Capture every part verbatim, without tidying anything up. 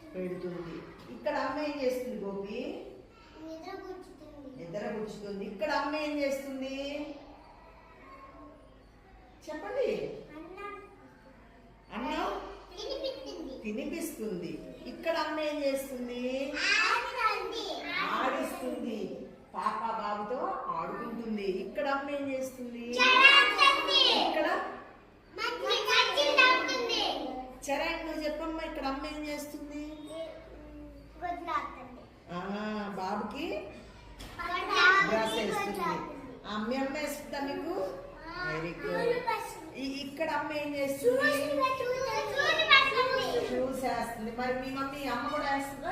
పెడుతుంది. ఇక్కడ అమ్మ ఏం చేస్తుంది గోపి? నిద్ర పుచ్చుతుంది. ఇక్కడ అమ్మ ఏం చేస్తుంది చెప్పండి? అన్నం తినిపిస్తుంది. ఇక్కడ అమ్మ ఏం చేస్తుంది? ఆడిస్తుంది. పాప బాబుతో ఆడుకుంటుంది. ఇక్కడ అమ్మ ఏం చేస్తుంది? ఇక్కడ చరణ్ నువ్వు చెప్పమ్మా, ఇక్కడ అమ్మ ఏం చేస్తుంది? బాబుకి బ్రష్ వేస్తుంది. అమ్మ అమ్మ వేస్తుందా మీకు? Very good. ఇక్కడ అమ్మ ఏం చేస్తుంది? షూస్ వేస్తుంది. మరి మీ మమ్మీ అమ్మ కూడా వేస్తుందా?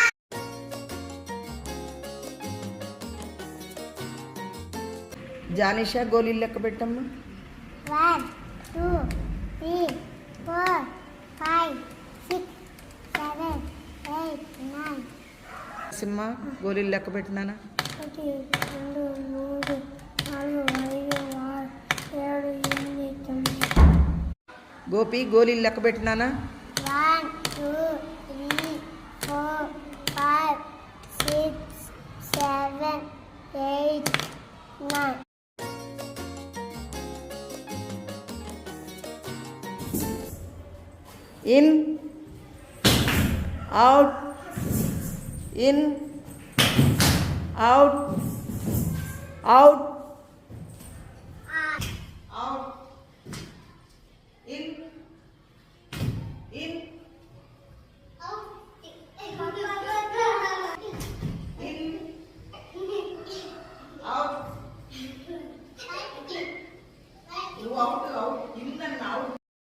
జానిషా గోళీలు లెక్క పెట్టమ్మా. One two three four five six seven eight nine. Simha గోళీలు లెక్క పెట్టినానా? ఒకటి రెండు మూడు నాలుగు ఐదు ఆరు ఏడు ఎనిమిది తొమ్మిది. గోపి గోళీలు లెక్క పెట్టినానా? One two three four five six seven eight nine. In, out, in, out, out, out, in, in, in, out. You out.